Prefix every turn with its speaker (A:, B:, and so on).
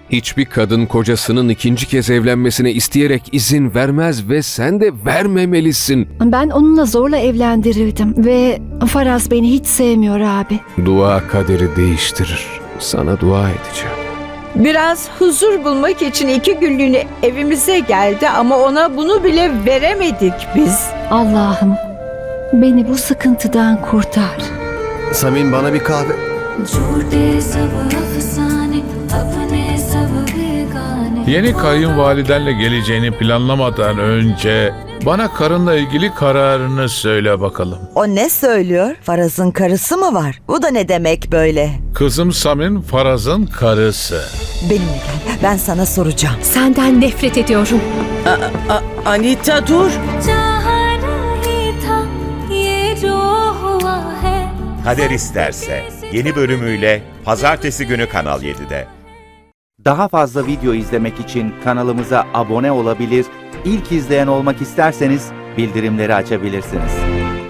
A: Hiçbir kadın kocasının ikinci kez evlenmesine isteyerek izin vermez ve sen de vermemelisin.
B: Ben onunla zorla evlendirildim ve Faraz beni hiç sevmiyor abi.
A: Dua kaderi değiştirir. Sana dua edeceğim.
C: Biraz huzur bulmak için 2 günlüğüne evimize geldi ama ona bunu bile veremedik biz.
B: Allah'ım beni bu sıkıntıdan kurtar.
D: Samin, bana bir kahve.
E: झूठे सब अफसाने अपने सब बेगाने
F: Yeni kayınvalidenle geleceğini planlamadan önce bana karınla ilgili kararını söyle bakalım.
G: O ne söylüyor? Faraz'ın karısı mı var? Bu da ne demek böyle?
F: Kızım Samin, Faraz'ın karısı.
G: Benimle gel. Ben sana soracağım.
B: Senden nefret ediyorum.
H: Anita dur.
E: चाहा नहीं था ये जो हुआ है.
I: Kader İsterse yeni bölümüyle Pazartesi günü Kanal 7'de.
J: Daha fazla video izlemek için kanalımıza abone olabilir, ilk izleyen olmak isterseniz bildirimleri açabilirsiniz.